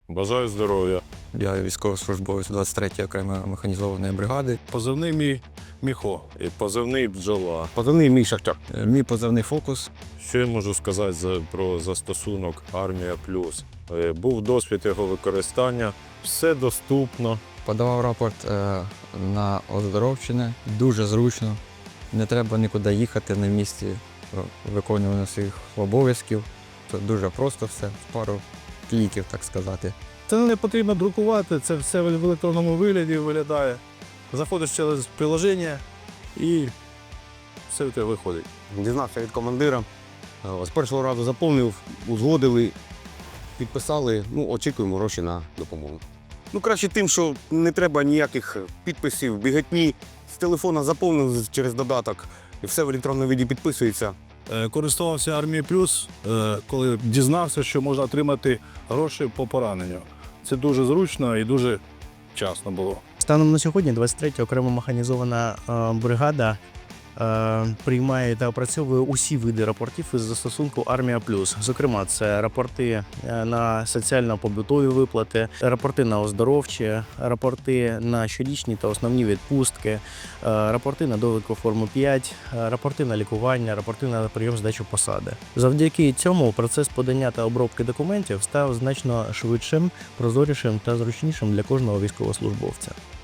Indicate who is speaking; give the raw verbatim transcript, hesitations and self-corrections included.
Speaker 1: Бажаю здоров'я.
Speaker 2: Я військовослужбовець двадцять третьої окремої механізованої бригади.
Speaker 1: Позивний мій Міхо і позивний бджола.
Speaker 3: Позивний мій Шахтар.
Speaker 2: Е, Мій позивний «Фокус».
Speaker 1: Що я можу сказати за, про застосунок Армія Плюс? Е, Був досвід його використання, все доступно.
Speaker 2: Подавав рапорт е, на оздоровчення. Дуже зручно. Не треба нікуди їхати на місці е, виконування своїх обов'язків. Це дуже просто все, в пару кліків, так сказати.
Speaker 4: Це не потрібно друкувати, це все в електронному вигляді виглядає. Заходиш через приложення і все у тебе виходить.
Speaker 3: Дізнався від командира. З першого разу заповнив, узгодили, підписали, ну, очікуємо гроші на допомогу. Ну, краще тим, що не треба ніяких підписів, біготні. З телефона заповнив через додаток, і все в електронному віді підписується.
Speaker 4: Е, Користувався Армією Плюс, е, коли дізнався, що можна отримати гроші по пораненню. Це дуже зручно і дуже вчасно було.
Speaker 5: Станом на сьогодні двадцять третя окрема механізована е, бригада е, приймає та опрацьовує усі види рапортів із застосунку Армія Плюс. Зокрема, це рапорти е, на соціально-побутові виплати, рапорти на оздоровчі, рапорти на щорічні та основні відпустки, е, рапорти на довідку форму п'ять, е, рапорти на лікування, рапорти на прийом здачу посади. Завдяки цьому процес подання та обробки документів став значно швидшим, прозорішим та зручнішим для кожного військовослужбовця.